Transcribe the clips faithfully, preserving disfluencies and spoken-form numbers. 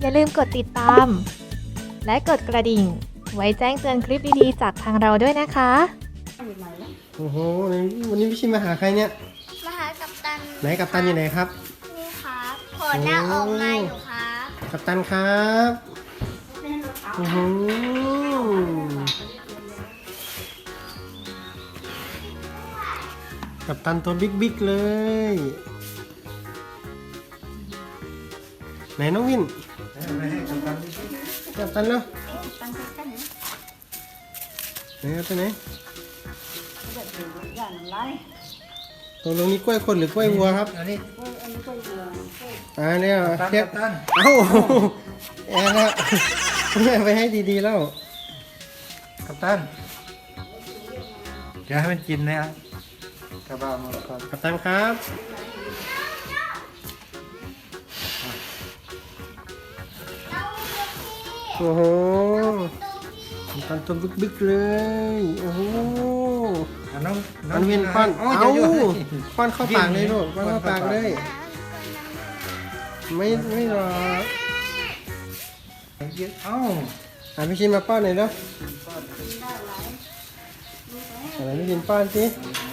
อย่าลืมกดติดตามและกดกระดิ่งไว้แจ้งเตือนคลิปดีๆจากทางเราด้วยนะคะโอ้โหวันนี้พี่ชิมมาหาใครเนี่ยมาหากัปตันไหนกัปตันอยู่ไหนครับนี่ครับผลหน้าออกมาอยู่ครับกัปตันครับโอ้โหกัปตันตัวบิ๊กบิ๊กเลยไหนน้องวินกัปตันเนาะไหนกัปตันไหนตรงนี้กล้วยคนหรือกล้วยวัวครับอันนี้อ่าเนี่ยเทียบเอ้าแอนนะไปให้ดีๆแล้วกัปตันเดี๋ยวให้มันกินนะครับกระบะหมดก่อนกัปตันครับโอ้โหกัปตันตัวบิ๊กๆเลยโอ้โหน้องน้องเวียนป้อนเอ้าป้อนเข้าปากเลยลูกป้อนเข้าปากเลยไม่ไม่หรอกเอ้าอ่ะพี่ชินมาป้อนหน่อยเนาะอะไรพี่ชินป้อนสิ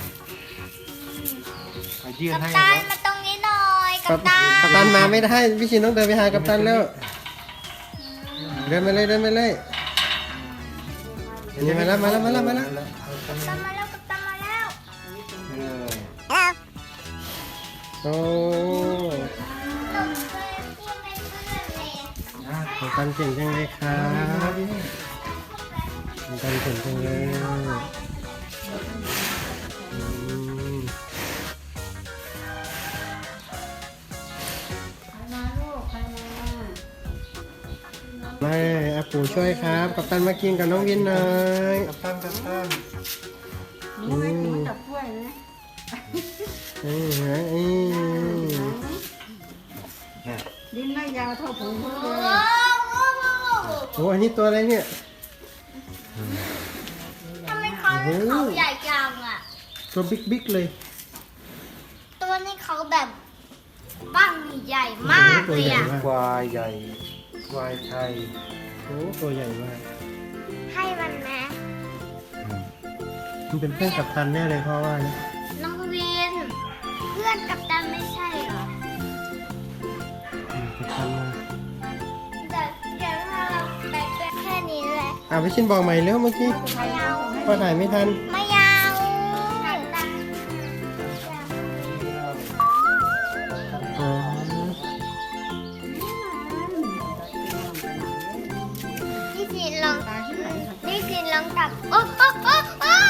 กัปตันมาตรงนี้หน่อยกัปตันกัปตันมาไม่ได้พี่ชินต้องเดินไปหากัปตันแล้วเดินไปเลยเดินไปเลยนี่มาแล้วมาแล้วมาแล้วมาแล้วกัปตันมาแล้วกัปตันมาแล้วโอ้กัปตันเก่งจังเลยครับกัปตันเก่งจังเลยมาอาปู่ช่วยครับกัปตันมากินกับน้องวินหน่อยกัปตันกัปตันนี่ไม่กินกับกล้วยนะอืมอืมดิ้นไม่ยาวเท่าผมเลยโอ้อันนี้ตัวอะไรเนี่ยทำไมเขาเขาใหญ่จังอ่ะตัวบิ๊กบิ๊กเลยตัวนี้เขาแบบบ้างใหญ่มากเลยอ่ะควายใหญ่ควายไทยโอ้ตัวใหญ่มากให้มันไหมมันเป็นเพื่อนกัปตันแน่เลยเพราะว่าน้องวินเพื่อนกัปตันไม่ใช่เหรอกัปตันมาแต่เดี๋ยวถ้าเราไปแค่นี้แหละอ่ะพี่ชินบอกใหม่แล้วเมื่อกี้พอถ่ายไม่ทันไม่ยาวพี่ชินลองพี่ชินลองจับโอ้โอ้โอ้โอ้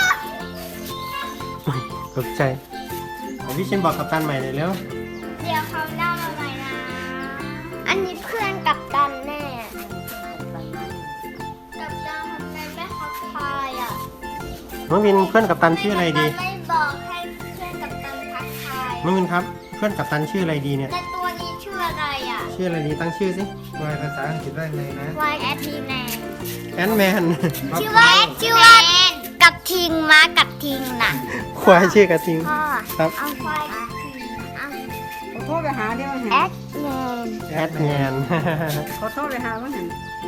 ตกใจพี่ชินบอกกัปตันใหม่เลยแล้วเดี๋ยวเขาเล่ามาใหม่นะอันนี้เพื่อนกัปตันแน่กัปตันทำไมไม่ทักทายอ่ะน้องวินเพื่อนกัปตันชื่ออะไรดีไม่บอกให้เพื่อนกัปตันทักทายน้องวินครับเพื่อนกัปตันชื่ออะไรดีเนี่ยแต่ตัวนี้ชื่ออะไรอ่ะชื่ออะไรดีตั้งชื่อสิวายภาษาอังกฤษได้ไงนะ Y S T Man แอนแมนชื่อว่าชื่อว่ากับทิงม้ากับทิงน่ะควายชื่อกระทิงครับเอาควายขอโทษไปหาเดี๋ยวแอดแมนแอดแมนขอโทษไปหาว่าเห็น